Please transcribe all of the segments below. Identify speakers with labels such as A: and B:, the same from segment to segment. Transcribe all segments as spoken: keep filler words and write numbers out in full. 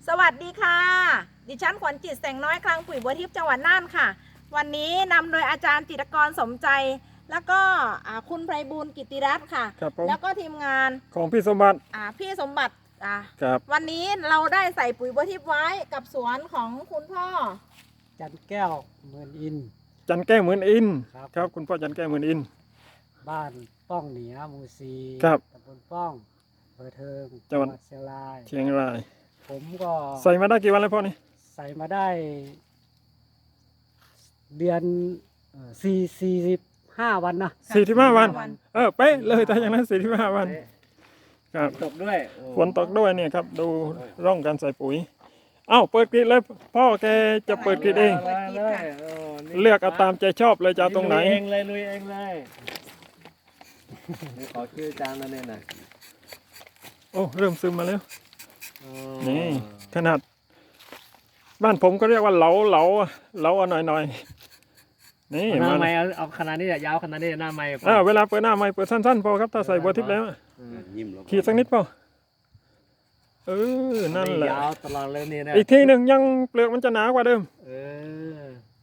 A: สวัสดีค่ะดิฉันขวัญจิตแสงน้อยคลังปุ๋ยบัวทิพย์จังหวัดน่านค่ะวันนี้นำโดยอาจารย์จิตรกรสมใจแล้วก็คุณไพบูลย์กิติรัตน์ค่ะแล้วก็ทีมงาน
B: ของพี่สมบัติ
A: พี่สมบัติ
B: ครับ
A: วันนี้เราได้ใส่ปุ๋ยบัวทิพย์ไว้กับสวนของคุณพ่อ
C: จันแก้วเหมือนอิน
B: จันแก้วเหมือนอินครับคุณพ่อจันแก้วเหมือนอิน
C: บ้านป้องเหนือหมู่ซี
B: ครับ
C: ตำบลป้องอำเภอเทิง
B: จังหวัด
C: เชียงราย
B: เชียงราย
C: ผมก็
B: ใส่มาได้กี่วันแล้วพ่อนี่
C: ใส่มาได้เดือนสี่สี่สิบห้าวันนะ
B: สี่สิบห้าวันเออเป๊ะเลยแต่อย่างนั้นสี่สิบห้าวันครับ
C: ตกด้วย
B: ฝนตกด้วยเนี่ยครับดูร่องการใส่ปุ๋ยเอ้าเปิดกรีดเลยพ่อแกจะเปิดกรีดเองเลือกเอาตามใจชอบเลยจะตรงไหน
C: เองเลยลุยเองเลยขอชื่อจานนั่นเองนะ
B: โอ้เริ่มซึมมาแล้วนี่ขนาดบ้านผมก็เรียกว่าเหลาเหลาเหลาหน่อยหน่อยนี่
C: หน้าไม้เอาเอาขนาดนี้ยาวขนาดนี้หน้าไม้
B: อ่าเวลาเปิดหน้าไม้เปิดสั้นๆพอครับถ้าใส่บัวทิพย์แล้วขีดสักนิดพอเออนั่นแหละ
C: ยาวตลอดเลยนี่นะ
B: อีกทีหนึ่งยังเปลือกมันจะหนากว่าเดิม
C: เออ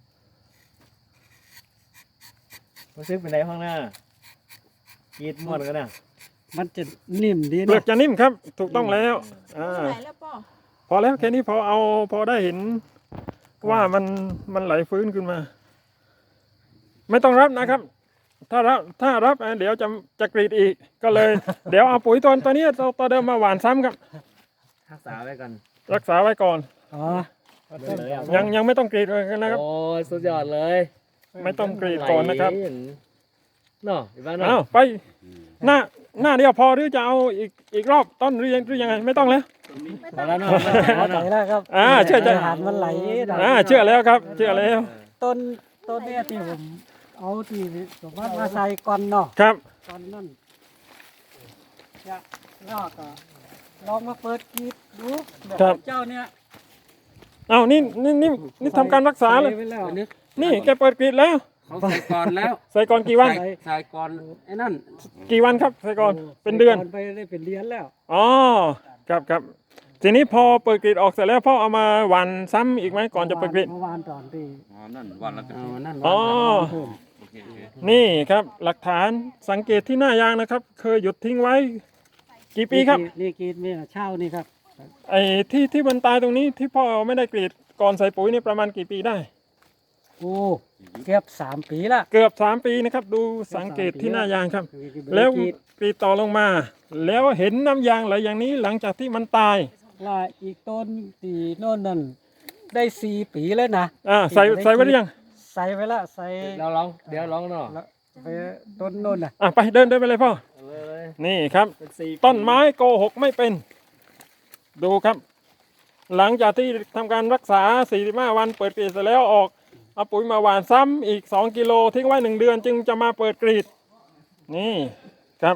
C: มันซึกเป็นไรข้างหน้ากีดหมดกันนะมันจะนิ่มดีนะ
B: เปลือกจะนิ่มครับถูกต้องแล้วอ่าพอแล้วแค่นี้พอเอาพอได้เห็นว่ามันมันไหลฟื้นขึ้นมาไม่ต้องรับนะครับถ้ารับถ้ารับเดี๋ยวจะจะกรีดอีกก็เลย เดี๋ยวเอาปุ๋ยตัวตัวนี้ตัวตัวเดิมมาหว่านซ้ำครับ
C: รักษาไว้ก่อน
B: รักษาไว้ก่อน
C: อ๋อ
B: ยังยังไม่ต้องกรีดเลยนะครับ
C: โอ้สุดยอดเลย
B: ไม่ต้องกรีดก่อนนะครับ
C: เนาะอีบ้านเนาะ
B: อ้าวไปหน้าหน้าเดียวพอหรือจะเอาอีกอีกรอบต้นหรือยังหรือยังไงไม่ต้องแล้ว
C: แล้วเนาะไหลแล้วครับ
B: อ่าเชื่อใจ
C: มันไหล
B: อ่าเชื่อแล้วครับเชื่อแล้ว
C: ต้นต้นนี้ที่ผมเอาที่สมมติมาใส่ก่อนเนาะ
B: ครับ
C: ก่อนนั่นจะลอกก็ลองมาเปิดกรีดดูแบบเจ้าเนี่ย
B: เอานี่นี่นี่นี่ทำการรักษาเลยนี่แกเปิดกรีดแล้ว
D: เขาใส่ก่อนแล้ว
B: ใส่ก่อนกี่วัน
D: ใส่ก่อนไอ้นั่น
B: กี่วันครับใส่ก่อนเป็นเดือน
C: ไปได้เป็นเดือนแล้ว
B: อ๋อครับครับทีนี้พอเปิดกรีดออกเสร็จแล้วพ่อเอามาหว่านซ้ำอีกไหมก่อนจะเปิดกรีด
C: หว่านตอนที่
D: อ๋อนั่นวันละ
C: อ๋อนั่น
B: อ๋อนี่ครับหลักฐานสังเกตที่หน้ายางนะครับเคยหยุดทิ้งไว้กี่ปีครับ
C: นี่กรีดนี่เช่านี่ครับ
B: ไอ้ที่ที่มันตายตรงนี้ที่พ่อไม่ได้กรีดก่อนใส่ปุ๋ยนี่ประมาณกี่ปีได้
C: โอ้เกือบสามปีละ
B: เกือบสามปีนะครับดูสังเกตที่หน้ายางครับแล้วกรีดต่อลงมาแล้วเห็นน้ำยางไหลอย่างนี้หลังจากที่มันตาย
C: ว่าอีกต้นตีโน่นนั่นได้สี่ปีแล้วนะ
B: อ่าใส่ใส่ไว้หรือยัง
C: ใส่ไว้ละใส่
D: เราลองเดี๋ยวลองเนาะ
C: ไปต้นโน่นนะ
B: อ่ะไปเดินเดินไปเลยพ่อนี่ครับต้นไม้โกหกไม่เป็นดูครับหลังจากที่ทำการรักษาสี่สิบห้าวันเปิดกรีดเสร็จแล้วออกเอาปุ๋ยมาหว่านซ้ำอีกสองกิโลทิ้งไว้หนึ่งเดือนจึงจะมาเปิดกรีดนี่ครับ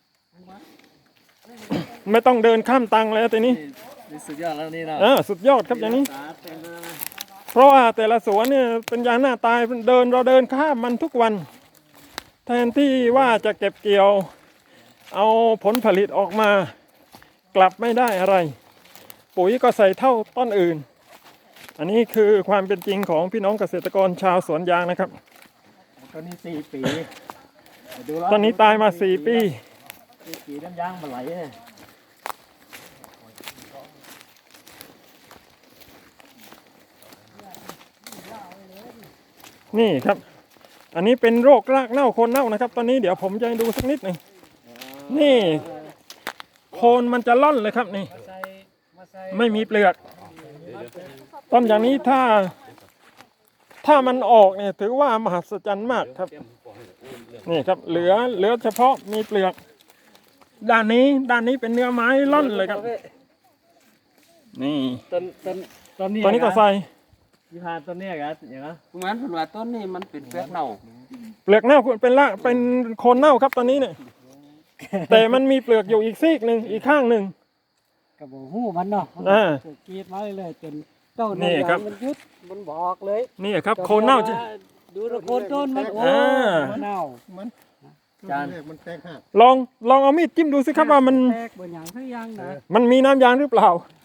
B: ไม่ต้องเดินข้ามตังแล้วทีนี้
C: สุดยอดแล้วนี่นะ
B: อ่าสุดยอดครับอย่างนี้เพราะว่าแต่ละสวนเนี่ยเป็นยางหน้าตายเดินเราเดินข้ามมันทุกวันแทนที่ว่าจะเก็บเกี่ยวเอาผลผลิตออกมากลับไม่ได้อะไรปุ๋ยก็ใส่เท่าต้นอื่นอันนี้คือความเป็นจริงของพี่น้องเกษตรกรชาวสวนยางนะครับ
C: ตอนนี้สี่ปี
B: ตอนนี้ตายมาสี่ปี
C: ปีน้ำยางมาไหล
B: นี่ครับอันนี้เป็นโรครากเน่าโคนเน่านะครับตอนนี้เดี๋ยวผมจะให้ดูสักนิดหนึ่งนี่โคนมันจะล่อนเลยครับนี่ไม่มีเปลือกต้นอย่างนี้ถ้าถ้ามันออกเนี่ยถือว่ามหัศจรรย์มากครับนี่ครับเหลือเหลือเฉพาะมีเปลือกด้านนี้ด้านนี้เป็นเนื้อไม้ล่อนเลยครับนี่
C: ต้นต้นต้นนี้
B: ต้นนี้ก็ใส่
C: ยี่ห้าต้นนี้ครับอย่างนั้น
D: เหมือนผมว่าต้นนี้มันเป็นเปลือกเน่า
B: เปลือกเน่าเป็นละเป็นโคนเน่าครับตอนนี้เนี่ยแต่มันมีเปลือกอยู่อีกซีกหนึ่งอีกข้างหนึ่ง
C: กระบอกหูมันเนาะกรีดมาเลยจนเจ้านี่ครับมันยุดมันบอกเลย
B: นี่ครับโคนเน่าจะ
C: ดูโคนต้นมันโอ้เน่ามัน
D: จาน
C: มันแตกหัก
B: ลองลองเอามีดจิ้มดูสิครับว่ามัน
C: แตกบนอย่างทุกอย่างนะ
B: มันมีน้ำยางหรือเปล่า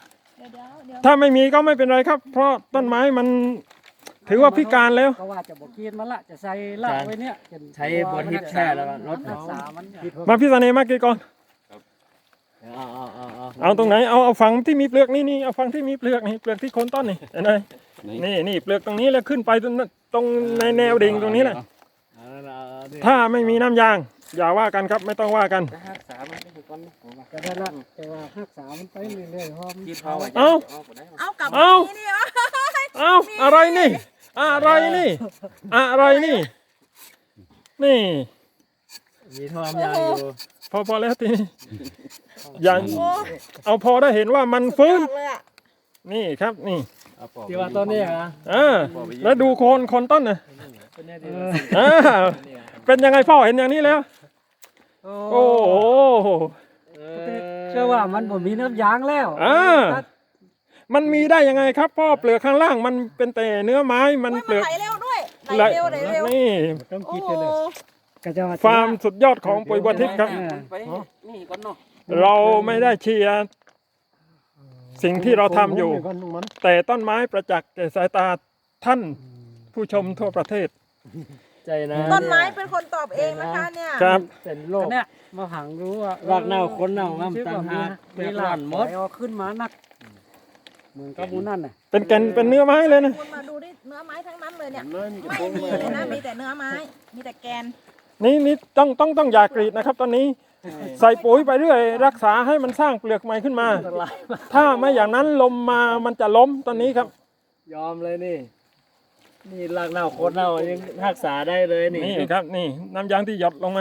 A: ดี๋ยวเดี๋ยวเดี๋ยว
B: ถ้าไม่มีก็ไม่เป็นไรครับ เพราะต้นไม้มันถือว่าพิการแล้ว
C: ก็ว่าจะบอกกินมันละจะใส่ละไว้เนี่ยจะ
D: ใช้บัวทิพย์แช่แล้วก็ลด
C: รั
D: เนาะ
C: กษามันเนี่ย
B: มาพี่เสน่ห์มากี่ก่อน
D: เอาเอาเอาเอา
B: เอาตรงไหนเอาเอาฝั่งที่มีเปลือกนี่นี่เอาฝั่งที่มีเปลือกนี่เปลือกที่โคนต้นนี่เห็นไหมนี่นี่เปลือกตรงนี้แล้วขึ้นไปตรงนั้นตรงในแนวดิ่งตรงนี้แหละ
D: เอาเอาเอาดิ
B: ถ้าไม่มีน้ำยาง อย่าว่ากันครับไม่ต้องว่ากัน
D: รักษามันได้ก่อนนะผมว่า
C: ก็ได้ละแต่ว่ารักษามันไปเรื่อยๆเพราะมัน
D: คิดเอาไว้
B: เอ้า
A: เอากลับ
B: เอา
A: นี่นี่วะ
B: เอาอะไรนี่ อะไรนี่ อะไรนี่ นี่
D: มีทอมยางอยู่
B: พอพอแล้วทีนี้อย่าง
A: โอ้
B: เอาพอได้เห็นว่ามันฟื้น
A: สุดยอดเลยอะ
B: นี่ครับนี่
D: เอาปอก
C: ที่ว่าต้นนี้นะ
B: อ่าแล้วดูโคนโคนต้นนะ
D: เป็นเนี่ย
C: เอ
D: ดี
C: อ
B: อ่าเป็นยังไงพ่อเห็นอย่างนี้แล้ว โอ้โห
C: เชื่อว่ามันบ่มีน้ำยางแล้ว
B: อ่า มันมีได้ยังไงครับพ่อเปลือกข้างล่างมันเป็นแต่เนื้อไม้มัน
A: โอ้ย
B: เปลือก
A: ไหลเร็วด้วยไหลเร็วไหลเร็ว
B: นี่
C: ต้อง
A: โอ้
C: คิด
A: โห
C: กันเลยก็จะว่า
B: ฟาร์มสุดยอดของปุ๋ยบัวทิพย์ครับ
D: ไปนี่ก่อนเนาะ
B: เราไม่ได้เชียร์สิ่งที่เราทำอยู่ แต่ต้นไม้ประจักษ์แก่สายตาท่านผู้ชมทั่วประเทศ
D: ใจนะ
A: ต้นไม้เป็นคนตอบเองนะคะเนี่ย
B: ครับ
D: เป็นโรค
C: เนี่ยมาหังรู้ว่าร
D: ากเน่าคนเน่าน้ำต่างหาก
C: เว
D: เว
C: ลา
D: ลา
C: ห
D: ห
C: ม
D: ม
C: ด
D: ด
C: เอาขึ้นมานักเหมือนกับหมูนั่นน่ะ
B: เป็นแก่นเป็นเนื้อไม้เลยนะ
A: คุณมาดูดิเนื้อไม้ทั้งนั้นเลยเนี่ยไม่มีเลยนะมีแต่เนื้อไม้มีแต่แกน
B: นี่นี่ต้องต้องต้องอย่ากรีดนะครับ ตอนนี้ใส่ปุ๋ยไปเรื่อย รักษาให้มันสร้างเปลือกใหม่ขึ้นมา ถ้าไม่อย่างนั้นลมมามันจะล้มตอนนี้ครับ
D: ยอมเลยนี่ นี่รากเน่าโคนเน่ายังรักษาได้เลยนี่
B: นี่ครับนี่น้ำยางที่หยดลงมา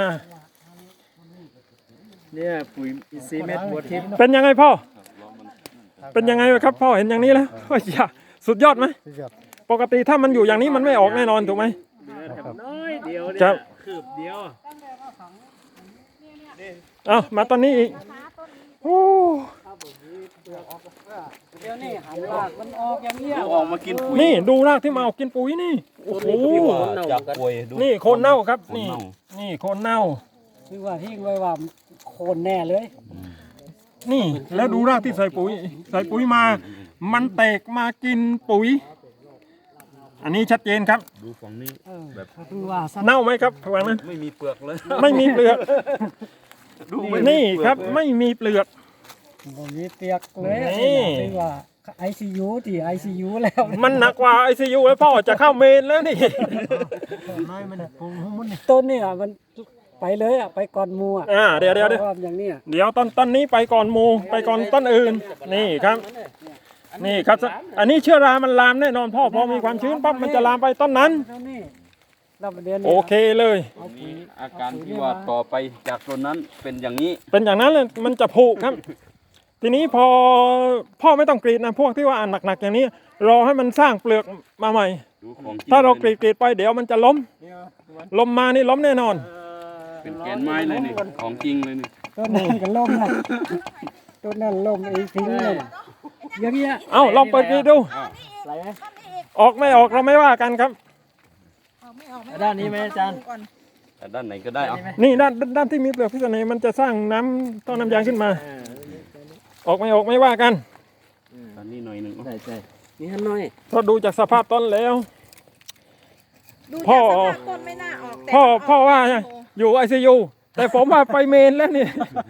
D: เนี่ยปุ๋ยอินทรีย์เม็ดบัวทิพย์
B: เป็นยังไงพ่อ เป็นยังไงครับพ่อเห็นอย่างนี้แล้วโอ้ยอย่าสุดยอดไหมปกติถ้ามันอยู่อย่างนี้มันไม่ออกแน่นอนถูกไหม
D: เหลือแต่น้อยเดียว
B: ครั
D: เนี่ย
B: บ
D: คืบเดียว
B: เอามาตอนนี้อีกโอ้
C: เดี๋ยวนี้หันรากมันออกอย่างเงี้ย
D: ออกมากินปุ๋ย
B: นี่ดูรากที่มาออกกินปุ๋ยนี่โอ้โห
D: จากป่วยดู
B: นี่โคนเน่าครับนี่นี่โคนเน่า
C: คือว่าทิ้งไว้ว่าโคนแน่เลย
B: นี่แล้วดูรากที่ใส่ปุ๋ย ใส่ปุ๋ยมา มันแตกมากินปุ๋ย อันนี้ชัดเจนครับ
D: ดูฝั่งนี้
C: เออคือว่าสัตว์
B: เน่าไหมครับฝั่งนั้น
D: ไม่มีเปลือกเลย
B: ไม่มีเปลือกนี่ครับไม่มีเปลือก
C: บ่มีเปียกเลย
B: นี่
C: คือว่า ไอ ซี ยู ที่ ไอ ซี ยู แล้ว
B: มันหนักกว่าไอซียูแล้วพ่อจะเข้าเมนแล้วนี่
C: ต้นเนี่ยมันไปเลยอ่ะไปก่อนหมูอ่ะ
B: อ่าเดี๋ยวเดี๋ยวเดี๋ยว
C: พราะาอย่างเนี้ย
B: เดี๋ยวต้นต้นนี้ไปก่อนหมูไปก่อนต้นอื่น นี่ครับ นี่ครับ อันนี้เชื้อรามันลามแน่นอนพ่อพอมีความชื้นปั๊บมันจะลามไปต้นนั้น
C: เท่านี้รับประเด็น
B: โอเคเลย
C: เอาปุ๋ย
D: อาการที่ว่าต่อไปจากต้นนั้นเป็นอย่างนี้
B: เป็นอย่างนั้นเลยมันจะผุครับ ทีนี้พอพ่อไม่ต้องกรีดนะพวกที่ว่าอ่านหนักๆอย่างนี้ รอให้มันสร้างเปลือกมาใหม่
D: ดูของจง
B: ถ้าเรากรีดกรีดไปเดี๋ยวมันจะล้ม ลมมานี่ล้มแน่นอน
D: เป็นแกนไม้เลยนี่ของจริงเลยนี่
C: ต้นนั้นก็ล่มนะต้นนั้นล่มไอ้ทิ้งเลยอย่างเงี้ย
B: เอ้าลองเปิดกรีดดู
C: ใส่ไหม
B: ออกไม่ออกเราไม่ว่ากันครับ
A: ออกไม่ออกไม่ออก
D: ด้านนี้ไหมอาจารย์
A: ก่อน
D: แต่ด้านไหนก็ได้เอา
B: นี่ด้านด้านที่มีเปลือกพิษณุมันจะสร้างน้ำต้นน้ำยางขึ้นมา ออกไม่ออกไม่ว่ากัน
D: ด้านนี้หน่อยหนึ่งใช่ใช่นี่ฮันหน่อย
B: เพราะดูจากสภาพต้นแล้ว
A: ดู
B: พ่อ
A: จากสภาพต้นไม่น่าออกแต่
B: พ่อ
A: ออก
B: พ่อว่า
A: โโห
B: อยู่ไอซียูแต่ผมว่าไปเมนแล้วนี่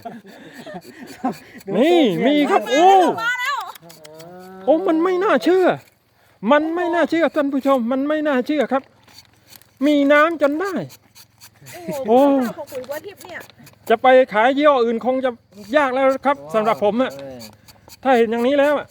B: นี่มีครับโอ้โอ้มันไม่น่าเชื่อ มันไม่น่าเชื่อท่านผู้ชม มันไม่น่าเชื่อครับ มีน้ำจนได้
A: โอ้
B: โอ้
A: โหของปุ๋ยบัวทิพย์เนี่ย
B: จะไปขายยี่ห้ออื่นคงจะยากแล้วครับสำหรับผมอะถ้าเห็นอย่างนี้แล้วอะ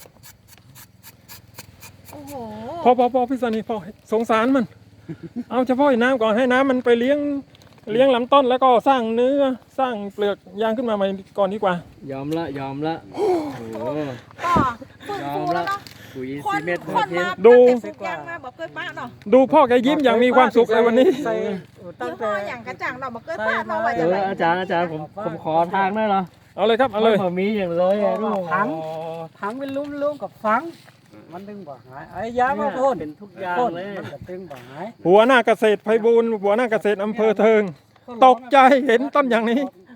A: โอ้โห
B: พอพอพอพี่สนีพอสงสารมัน เอาเฉพาะไอ้น้ำก่อนให้น้ำมันไปเลี้ยงเลี้ยงลำต้นแล้วก็สร้างเนื้อสร้างเปลือกยางขึ้นมาใหม่ก่อนดีกว่า
D: ยอมละยอมละโอ้โห
A: ก็ฟื้นฟูแล้วเนาะ
D: ปุ๋ย
A: คน
D: ซีเม็ด
A: ค
D: บัวน ทิพ
A: มา
D: ย์
B: ดู
A: ตั้งแต่สุกยางมาบอกเคยป้าเนาะ
B: ดูพ่อแกยิ้มอย่างมีความสุขเลยวันนี้
C: ใส่ตั้ง
A: ยี่ห้
C: แต่
A: ออย่างกระจ่างเราบอกเคยป้าเนาะว่า
D: เอ
A: จะ
D: อ
A: ไร
D: อาจารย์อาจารย์ผมผมขอทางได้เหรอ
B: เอาเลยครับเอาเลย
D: มันมีอย่างเลยอะลูก
C: ถังถังเป็นลุ่มๆกับฝัง มันดึงบ่หายไอ้ยามาพ่น
D: เป็นทุกอย่าง
C: พ่น
D: เลย
C: มันก็ดึงบ่หาย
B: หัวหน้าเกษตรไพบูลย์หัวหน้าเกษตรอำเภอเทิง ตกใจเห็นต้นอย่างนี้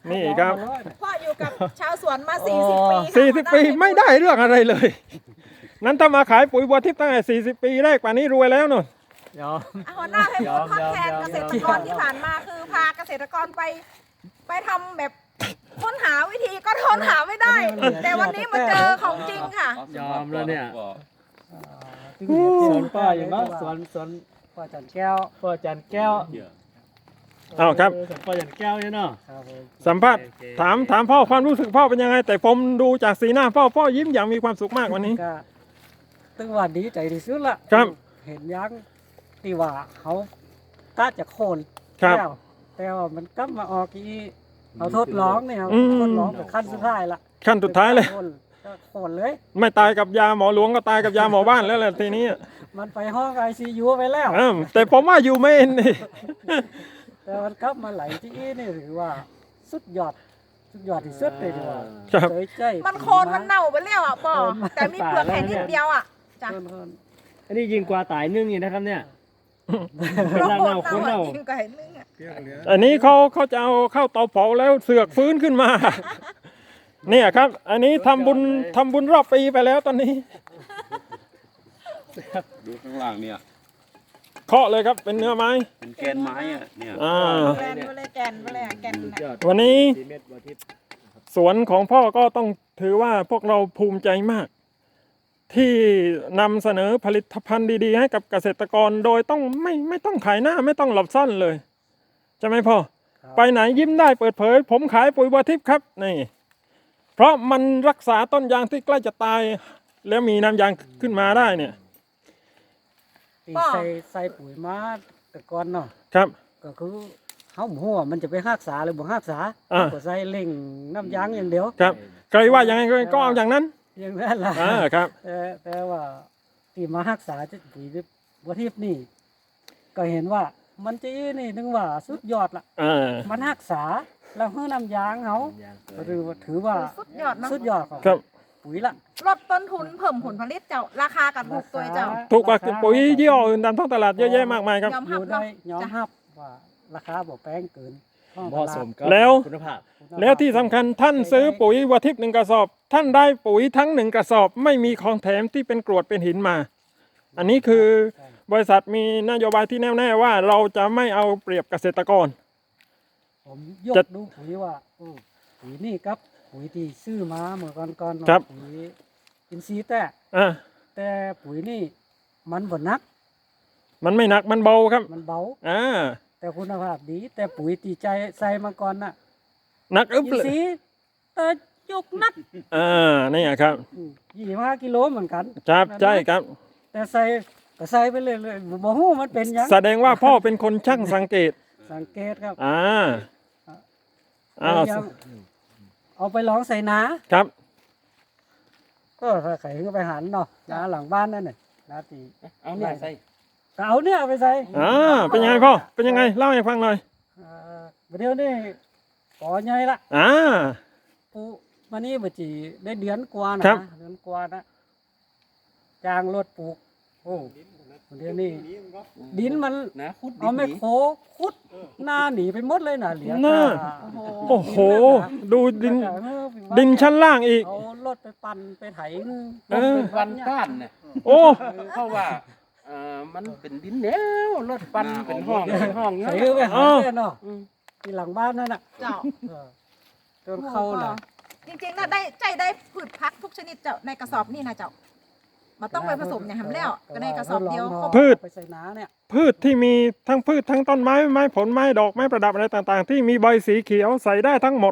B: นี่ครับ
A: พ่ออยู่กับชาวสวนมาสี่สิบปีค่ะ
B: สี่สิบปี
A: หัวหน้า
B: ไม่ได้เรื่องอะไรเลย นั้นถ้ามาขายปุ๋ยบัวทิพย์ตั้งแต่สี่สิบปีแรกป่านนี้รวยแล้วนู่น
D: ยอม
A: อ่ะหัวหน้าให้พูดทดแทน
D: ยอม
A: เกษตรกรที่ผ่านมาคือพาเกษตรกรไป ไปทำแบบค้นหาวิธีก็ค้นหาไม่ได้ แต่วันนี้มาเจอของจริงค่ะ
D: ยอมแล้วเนี่ย
C: ส
D: ส
C: ว
D: วน น
C: ป้า
D: ป้า
C: อ
D: อยู่ ยู่
C: บ้า
D: บ้าน น
C: ส
D: ส
C: ว
D: วน นสวน
C: ป้าจันแก้ว
D: ป้าจันแก้ว
B: อ้าวครับ
D: สวนป้าจันแก้วเนี่ยเนาะ
C: ครับผม
B: สัมภาษณ์ถามถามพ่อความรู้สึกพ่อเป็นยังไง แต่ผมดูจากสีหน้าพ่อพ่อยิ้มอย่างมีความสุขมากวันนี้
C: ก็ตึงว่าดีใจที่สุดละ
B: ครับ
C: เห็นยังที่ว่าเขากะจะโค่น
B: ครับ
C: แล้วแต่ว่ามันกลับมาออกอีเอาทดลองเนี่ย
B: อืม
C: ทดลองเป็นขั้นสุดท้ายละ
B: ขั้นสุดท้ายเลย
C: โค่นก็โค่นเลย
B: ไม่ตายกับยาหมอหลวงก็ตายกับยาหมอบ้านแล้วแหละทีนี้
C: มันไปห้องไอซียูไปแล้ว
B: อ้าวแต่ผมว่าอยู่ไม่เอ็นนี่
C: แต่มันกลับมาไหลที่อีนี่ถือว่าสุดยอดสุดยอดที่สุดเลยดีกว่า
B: ครับ
C: เฉยใจ
A: มันโคนมันเน่าไปแล้วอ่ะป่อแต่มีเปลือกแค่นิดเดียวอ่ะจ้ะ
C: โคนโคน
D: อันนี้ยิงกว่าตายนึ่งนี่นะครับเนี่ย
A: โคน
D: ราก
A: เน่า
D: เน่าโคนเน่า
A: จริงก็เห็นนึงอ่ะ
B: อันนี้เขาเขาจะเอาเข้าเตาเผาแล้วเสือกฟื้นขึ้นมา เนี่ยครับ อันนี้ทำบุญทำบุญรอบปีไปแล้วตอนนี้
E: ดูข้างล่างเนี่ย
B: เคาะเลยครับเป็นเนื้อไม้
E: เป็นแกนไม้อะเนี่ย
B: อ่า
A: แกนไปเลยแกนไปเลยอ่ะแกน
D: สุดย
A: น่ะ
D: อด
B: วันนี้
D: สี่เม็ดบัวทิพย์
B: สวนของพ่อก็ต้องถือว่าพวกเราภูมิใจมาก ที่นำเสนอผลิตภัณฑ์ดีๆ ให้กับเกษตรกรโดยต้องไม่ไม่ต้องขายหน้าไม่ต้องหลบซ่อนเลยใช่ไหมพ่อ ไปไหนยิ้มได้เปิดเผย ผมขายปุ๋ยบัวทิพย์ครับนี่เพราะมันรักษาต้นยางที่ใกล้จะตาย แล้วมีน้ำยางขึ้นมาได้เนี่ย
C: ที่ใส่ใส่ปุ๋ยมาแต่ก่อนเนาะ
B: ครับ
C: ก็คือเขาหัวมันจะไปรักษาหรือบ่รักษา
B: อ่า
C: ก็ใส่เล่งน้ำยางอย่างเดียว
B: ครับใครว่ายังไงก็เอาอย่างนั้น
C: อย่างนั้นล่ะ
B: อ่าครับ
C: แต่แต่ว่าที่มารักษาจะปุ๋ยบัวทิพย์นี่ ก็เห็นว่ามันจะนี่นึงว่าสุดยอดละ
B: อ่า
C: มันรักษาแล้วให้น้ำยางเขาหรือว่าถือว่า
A: สุดยอดเนาะ
C: สุดยอดของ
B: ครับ
C: ปุ๋ยละ
A: ลดต้นทุนเพิ่มผลผลิตเจ้าราคากับถูกตัวเจ้า
B: ถูกกว่าปุ๋ยยี่ห้ออื่นตามท้องตลาดเยอะแยะมากมายครับ
A: ยอม
C: อ
A: หับ
C: ยู่ได้
A: เนาะ
C: ยอม
A: จ้ะ
C: รับว่าราคาบ่แพงเกินท้องต
D: เหมาะ
C: ลาด
D: สมกับ
B: แล้ว
D: คุณภาพ
B: แล้วที่สำคัญท่านซื้อปุ๋ยวัวทิพย์หนึ่งกระสอบ ท่านได้ปุ๋ยทั้งหนึ่งกระสอบ ไม่มีของแถมที่เป็นกรวดเป็นหินมา อันนี้คือบริษัทมีนโยบายที่แน่วแน่ว่าเราจะไม่เอาเปรียบเกษตรกร
C: ผมยก
B: จะ
C: ดูปุ๋ยว่าโอ้ปุ๋ยนี่ครับปุ๋ยที่ซื้อมาเมื่อก่อนก่อนๆเนาะ
B: ครับ
C: ปุ๋ยอินทรีย์แต่
B: อ่ะ
C: แต่ปุ๋ยนี่มันบ่หนัก
B: มันไม่หนักมันเบาครับ
C: มันเบา
B: อ่า
C: แต่คุณภาพดี แต่ปุ๋ยตีใจใส่มาก่อนน่ะ
B: หนักอึ๊บ
C: อิน
B: เลย
C: ทรีย์แต่ยกหนัก
B: อ่านี่ครับ
C: ยี่สิบห้ากิโลเหมือนกัน
B: ครับใช่ครับ
C: แต่ใส่ก็ใส่ไปเรื่อยๆบ่ฮู้มันเป็นหยัง
B: แสดงว่าพ่อเป็นคนช่างสังเกต
C: สังเกตครับ
B: อ่าอ้าว
C: พยายามเอาไปลองใส่นา
B: ครับ
C: ก็ถ้าใครก็ไปหันเนาะนาหลังบ้านนั่นน่ะนาตี
E: เอาเนี่ยใส่
C: ก็เอาเนี่ยเอาไปใส่
B: อ่าเป็นยังไงพ่อเป็นยังไงเล่าให้ฟังหน่อย
C: เอ่อเดี๋ยวนี้ก่อใหญ่ละ
B: อ่า
C: ปูมานี่บ่จีได้เดือนกว่านะครับ เดือนกว่านะจ้างรถปลูกโอ้เดี๋ยวนี้ดินมัน
E: นะคุด
C: เอาไมโครขุดหน้าหนีไปหมดเลยน่ะเหลือ
B: หน้า
C: แต่
A: โอ้โห
B: โอ้โห ดูดิน
C: แล้วก็เออไปวั
B: ดินชั้นล่างอีก
C: เอารถไปปั่นไปไถ
B: เออ
E: เป็นวันก้านเนี่ย
B: โอ้
E: เพราะว่าเอ่อมันเป็นดินเหนียวรถปั่นเป็นห้องเป็นห้องเงี้
C: ไถ
E: ย
C: ไปหา
B: อ้าว
C: เพื่อนเนาะที่หลังบ้านนั่นน่ะ
A: เจ้า
C: เออจนเข้าน่ะ
A: จริงๆนะได้ใจได้พืชพักทุกชนิดเจ้าในกระสอบนี่นะเจ้ามาต้องไปผสมอย่างทำแล้วก็ในกระสอบเดียวครบ
B: พืช
C: ไปใส่น้าเนี่ย
B: พืชที่มีทั้งพืชทั้งต้นไม้ไม้ผลไม้ดอกไม้ประดับอะไรต่างๆ ที่มีใบสีเขียวใส่ได้ทั้งหมด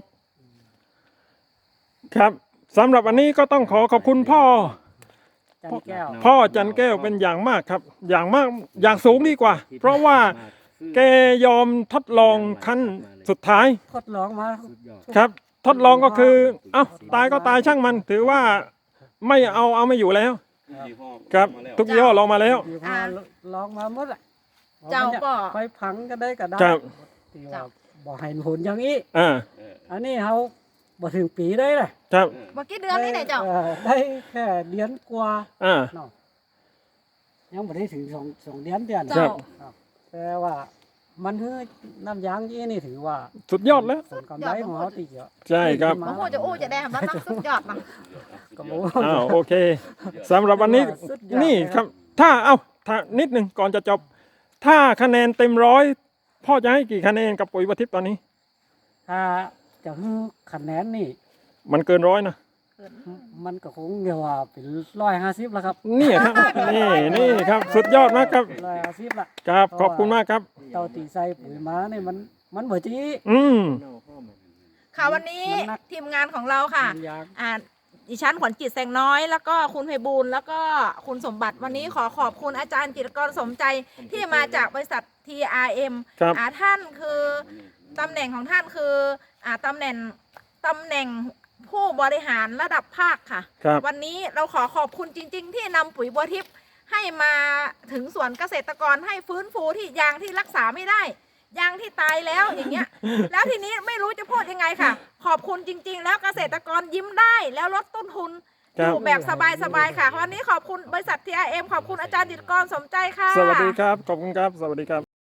B: ครับสำหรับวันนี้ก็ต้องขอขอบคุณพ่อ
C: จันแก้ว
B: พ่อจันแก้วเป็นอย่างมากครับ อย่างมากอย่างสูงดีกว่า เพราะว่าแกยอมทดลองขั้นสุดท้าย
C: ทดลองมา
B: ครับ ทดลองก็คือ เอ้าตายก็ตายช่างมัน ถือว่าไม่เอาเอาไม่อยู่แล้ว ครับ ทุกยี่ห้อลองมาแล้ว
C: อยู่มาลองมาหมดแหละ
A: เจ้าก็
C: ไปพังก็ได้ก็ได้
B: ครับ
C: ที่ว่าบอกให้ผลอย่างนี้
B: อ่า
C: อันนี้เขาบ่ถึงปีได้เลย
B: ครับ
A: เมื่อกี้เดือนนี่ไหนเจ้า
C: ออได้แค่เดือนกว่า
B: อ่า
C: เนาะยังบ่ได้ถึงสองสองเดือนเดือน
A: เจ้า
C: ครับแต่ว่ามันคือน้ำยางยี่นี่ถือว่า
B: สุดยอดแล้ว
C: ผลกำไรของเขาตีเยอะ
B: ใช่ครับ
A: โอ้โหจะอู้จะแดงมันต้องสุดยอดนะ
C: ก็บอก
B: อ้าวโอเคสำหรับวันนี้
C: สุดยอด
B: นี่
C: เลย
B: ครับ ถ้าเอ้าถ้านิดหนึ่งก่อนจะจบ ถ้าคะแนนเต็มร้อยพ่อจะให้กี่คะแนนกับปุ๋ยวัวทิพย์ตอนนี้
C: ถ้าจะให้คะแนนนี่
B: มันเกินร้อยนะ
C: มันก็คงเดียวว่าเป็นร้อยห้าสิบแล้วครับ
B: นี่ครับ นี่นี่ครับ สุดยอดมากครับ
C: ร้อยห้าสิบละ
B: ครับขอบคุณมากครับ
C: เตาตีใส่ปุ๋ยมาเนี่ยมันมันเบื่อจี
B: อืม
A: ค่ะวันนี้
C: มันหนัก
A: ทีมงานของเราค่ะ
C: น้ำยาง
A: อ่าดิฉันขวัญจิตแสงน้อย แล้วก็คุณไพบูลย์แล้วก็คุณสมบัติวันนี้ขอขอบคุณอาจารย์จิตรกรสมใจที่มาจากบริษัท ที อาร์ เอ็ม
B: ครับ
A: อ่าท่านคือตำแหน่งของท่านคืออ่าตำแหน่งตำแหน่งผู้บริหารระดับภาคค่ะ
B: ครับ
A: วันนี้เราขอขอบคุณจริง ๆ ที่นำปุ๋ยบัวทิพย์ให้มาถึงสวนเกษตรกรให้ฟื้นฟูที่ยางที่รักษาไม่ได้ ยางที่ตายแล้วอย่างเงี้ย แล้วทีนี้ไม่รู้จะพูดยังไงค่ะ ขอบคุณจริง ๆ แล้วเกษตรกรยิ้มได้แล้วลดต้นทุน
B: ครั
A: อบ ยู่แบบสบายๆค่ะ วันนี้ขอบคุณบริษัท ที อาร์ เอ็ม ขอบคุณอาจารย์จิตรกรสมใจค่ะ
B: สวัสดีครับ ขอบคุณครับ สวัสดีครับ